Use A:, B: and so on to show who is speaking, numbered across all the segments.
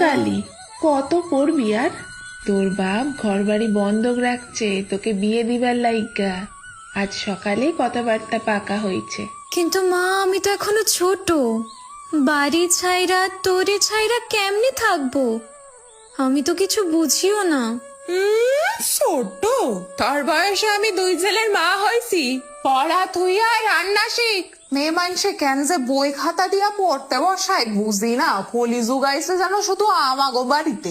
A: কালি, কত পড়বি আর? তোর বাপ ঘর বাড়ি বন্ধক রাখছে তোকে বিয়ে দিবার লাইগা। আজ সকালে কথাবার্তা পাকা হয়েছে।
B: কিন্তু মা, আমি তো এখনো ছোট। বাড়ি ছাইরা তোরে ছাইরা কেমনে থাকবো? আমি তো কিছু বুঝিও না।
C: ছোট? তোর বয়সে আমি 2 ছেলের মা হয়েছি। পড়া থুইয়া রান্না শিখ। মেয়ে মানুষে কেন যে বই খাতা দিয়া পড়তে বসায় বুঝি না। কলি যুগাইছে যেন শুধু আমাগো বাড়িতে।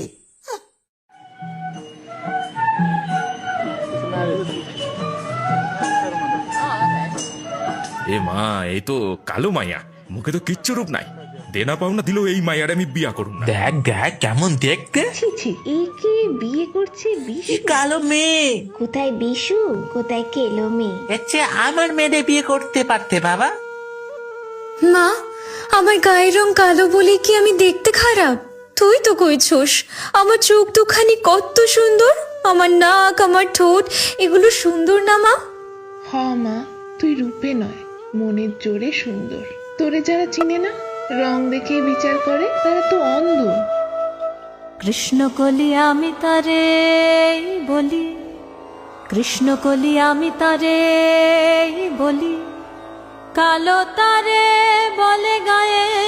D: এ মা, এই তো কালো মাইয়া, মুখে তো কিচ্ছু রূপ নাই। দেনা পাওনা দিল এই মাইয়ার আমি বিয়া করুম না।
E: দেখ দেখ কেমন দেখতে।
F: ছি ছি, একে বিয়ে করছে বিশু?
E: কি কালো মেয়ে!
F: কোথায় বিশু, কোথায় কেলো মেয়ে?
E: এর চেয়ে আমার মেয়েরে বিয়ে করতে পারতে বাবা।
B: মা, আমার গায়ের রং কালো বলে কি আমি দেখতে খারাপ? তুই তো কইছস আমার চোখ দুখানি কত সুন্দর, আমার নাক, আমার ঠোঁট, এগুলো সুন্দর না মা?
A: হ মা, তুই রূপে নয় মনের জোরে সুন্দর। তোরে যারা চিনে না, রং দেখে বিচার করে, তারা তো অন্ধ।
G: কৃষ্ণ কলি আমি তারে বলি, কৃষ্ণ কলি আমি তারে বলি, কালো তারে বলে গায়ে